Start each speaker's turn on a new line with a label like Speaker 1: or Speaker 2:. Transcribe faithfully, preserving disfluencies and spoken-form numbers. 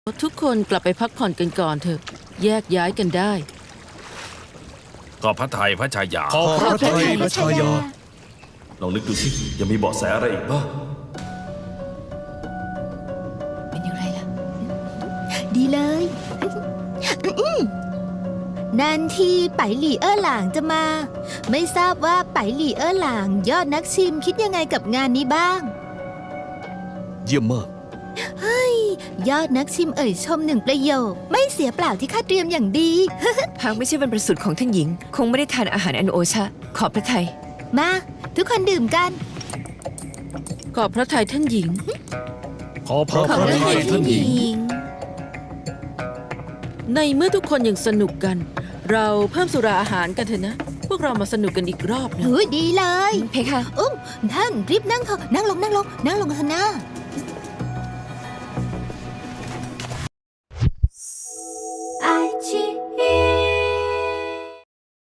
Speaker 1: ทุกคนกลับไปพักผ่อนกันก่อนเถอะแยกย้ายกันได้
Speaker 2: ก็พระไทยพระชายา
Speaker 3: ขอพระไทยพระชายา
Speaker 4: ลองนึกดูสิยังมีเบาะแสอะไรอีกบ้าง
Speaker 5: เป็นอย่างไรล่ะ ดีเลยนันทีไปหลี่เอ้อหลางจะมา ไม่ทราบว่าไปหลี่เอ้อหลางยอดนักชิมคิดยังไงกับงานนี้บ้าง
Speaker 3: เยี่ยมมาก
Speaker 5: ยอดนักชิมเอ่ยชมหนึ่งประโยค ไม่เสียเปล่าที่ข้าเตรียมอย่างดี
Speaker 6: หากไม่ใช่วันประสูติของท่านหญิง คงไม่ได้ทานอาหารอันโอชะ ขอบพระทัย
Speaker 5: มา ทุกคนดื่มกัน
Speaker 1: ขอบพระทัยท่านหญิง
Speaker 3: ขอพระไทยท่านหญิง
Speaker 1: ในเมื่อทุกคนยังสนุกกัน เราเพิ่มสุราอาหารกันเถอะนะ พวกเรามาสนุกกันอีกรอบนะ
Speaker 5: เฮ้ยดีเลย
Speaker 6: เพคะ
Speaker 5: อุ้มท่านรีบนั่งเถอะนั่งลงนั่งลงนั่งลงเถอะนะ
Speaker 7: 爱情。